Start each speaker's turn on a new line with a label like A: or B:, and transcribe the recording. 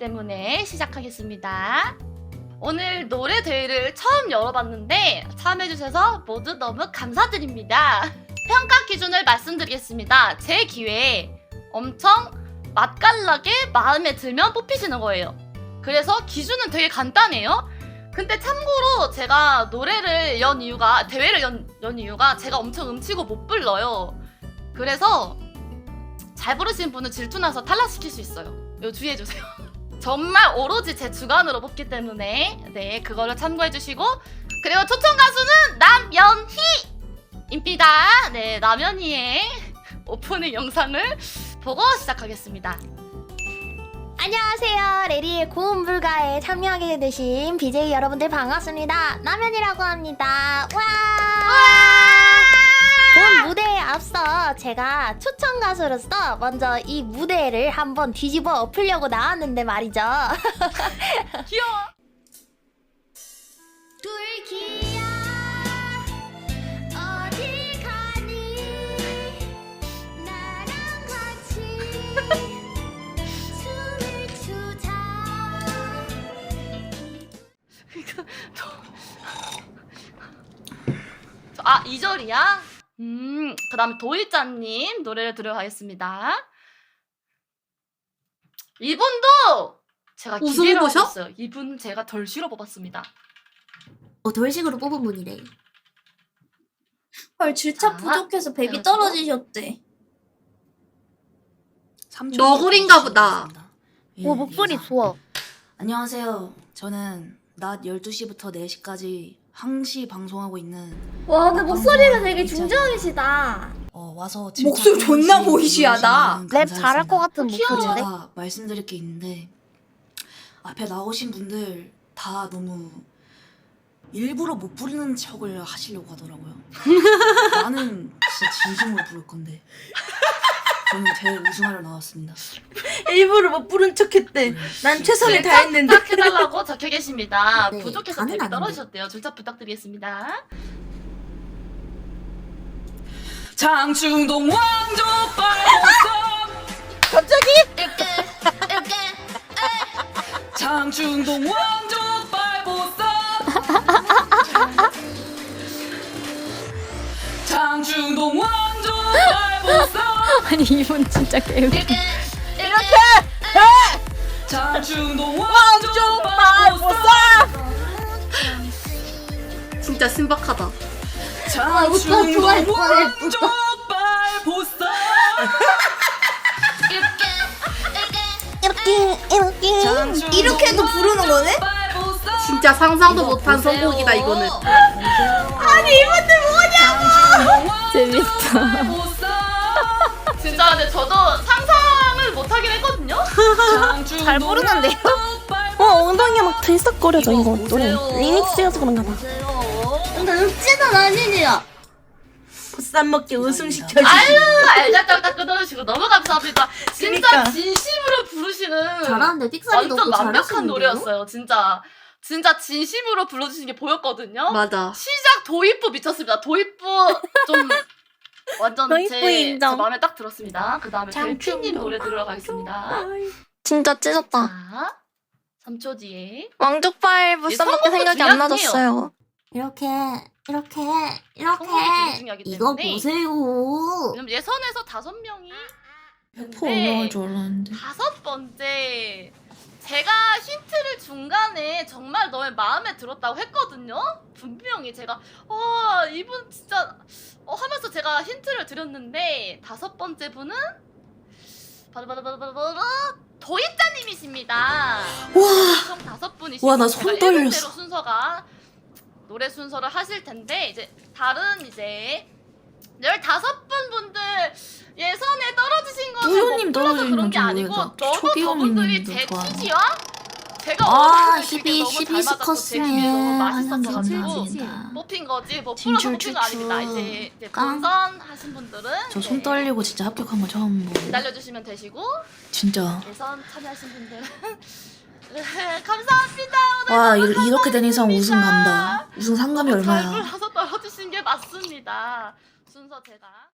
A: 때문에 시작하겠습니다. 오늘 노래 대회를 처음 열어봤는데 참여해주셔서 모두 너무 감사드립니다. 평가 기준을 말씀드리겠습니다. 제 기회에 엄청 맛깔나게 마음에 들면 뽑히시는 거예요. 그래서 기준은 되게 간단해요. 근데 참고로 제가 노래를 연 이유가, 대회를 연 이유가 제가 엄청 음치고 못 불러요. 그래서 잘 부르시는 분은 질투나서 탈락시킬 수 있어요. 이거 주의해주세요. 정말 오로지 제 주관으로 뽑기 때문에 네, 그거를 참고해주시고, 그리고 초청 가수는 남연희입니다. 네, 남연희의 오프닝 영상을 보고 시작하겠습니다.
B: 안녕하세요. 레리의 고음 불가에 참여하게 되신 BJ 여러분들 반갑습니다. 남연이라고 합니다. 와! 본 무대에 앞서 제가 초청 가수로서 먼저 이 무대를 한번 뒤집어 엎으려고 나왔는데 말이죠.
A: 귀여워.
B: 둘기야 어디 가니 나랑 같이 춤을 추자.
A: 아, 2절이야? 그 다음에 도일자님 노래를 들어가겠습니다. 이분도 제가 기대를 하고 있어요. 이분 제가 덜 싫어 뽑았습니다.
B: 돌식으로 뽑은 분이래.
C: 헐, 질차 부족해서 백이 떨어지셨대.
D: 너구리인가 보다.
B: 오, 목소리 좋아.
E: 안녕하세요. 저는 낮 12시부터 4시까지 항시 방송하고 있는
C: 와, 근데 목소리가 되게 중저음이시다.
E: 와서
C: 목소리 존나 보이시하다.
B: 랩 잘할 것 같은 목소리인데?
E: 제가 말씀드릴 게 있는데, 앞에 나오신 분들 다 너무 일부러 못 부르는 척을 하시려고 하더라고요. 나는 진짜 진심으로 부를 건데 저는 제 우승하러 나왔습니다.
C: 일부러 못 부른 척했대. 난 최선을
A: 줄차
C: 다했는데.
A: 부탁해달라고 적혀 계십니다.
B: 네,
A: 부족해서
B: 가능한데.
A: 백이 떨어지셨대요. 줄차 부탁드리겠습니다.
E: 장충동 왕족발보쌈
A: 갑자기?
E: 장충동 왕족발보쌈 장충동 왕족발보쌈
B: 아니 이분 진짜 개웃기.
A: 이렇게!
E: 장충동 왕족발보쌈
D: 진짜 신박하다.
E: 장충동 왕족발보쌈
C: 이렇게도 부르는 거네?
D: 진짜 상상도 못한 선곡이다 이거는.
C: 아니, 이분들 뭐냐?
B: 재밌다.
A: 진짜 근데 저도 상상을 못하긴 했거든요?
B: 잘 부르는데요? 엉덩이가 막 들썩거려져 이거 노래. 리믹스여서 그런가 봐.
C: 근데 읍지는 아니지야. 보쌈 먹기 우승 시켜주시.
A: 아유, 알잘딱딱 끊어주시고 너무 감사합니다. 진짜
C: 그러니까.
A: 진심으로 부르시는
B: 잘하는데 픽사리도
A: 완전
B: 없고
A: 완벽한
B: 잘하시는데요?
A: 노래였어요. 진짜 진심으로 불러주신 게 보였거든요?
D: 맞아.
A: 시작 도입부 미쳤습니다. 도입부 좀 완전
B: 도입부
A: 제
B: 인정.
A: 마음에 딱 들었습니다. 그 다음에 델피님 노래 들어가겠습니다.
B: 진짜 찢었다.
A: 자, 3초 뒤에
B: 왕족발
A: 무쌈밖에 생각이 안 나졌어요.
B: 이렇게
A: 성공이 되게 중요하기
B: 이거
A: 때문에.
B: 보세요.
A: 왜냐면 예선에서 5명이
C: 100% 올라갈 줄 알았는데.
A: 5번째 제가 힌트를 중간에 정말 너의 마음에 들었다고 했거든요. 분명히 제가 이분 진짜 하면서 제가 힌트를 드렸는데 5번째 분은 바로 도입자님이십니다. 총 5분이시고
C: 와, 나 손 떨렸어.
A: 순서가 노래 순서를 하실 텐데, 이제 다른 이제 15분 분들 예선에 떨어지신 것은
C: 우효님
A: 못 불러서
C: 떨어지는
A: 그런 게
C: 건
A: 아니고
C: 좋아요.
A: 너무 저분들이 제
C: 초기현님도 좋아요.
A: 취지와 제가
B: 아,
A: 원하는 그게 너무 잘 맞았고 제
B: 히비스커스네.
A: 기분이 너무
B: 감사합니다.
A: 맛있었어가지고 뽑힌 거지 뭐 풀어서
C: 진출
A: 뽑힌 거 아닙니다.
C: 추추.
A: 이제
B: 깡.
A: 본선 하신 분들은
E: 저 손 떨리고 진짜 합격한 거 처음 보고.
A: 기다려주시면 되시고
E: 진짜.
A: 예선 참여하신 분들은 감사합니다. 오늘
E: 와,
A: 너무
E: 이렇게 된 이상 우승
A: 감사합니다.
E: 간다. 우승 상금이
A: 잘
E: 얼마야?
A: 불러서 떨어지신 게 맞습니다. 순서 제가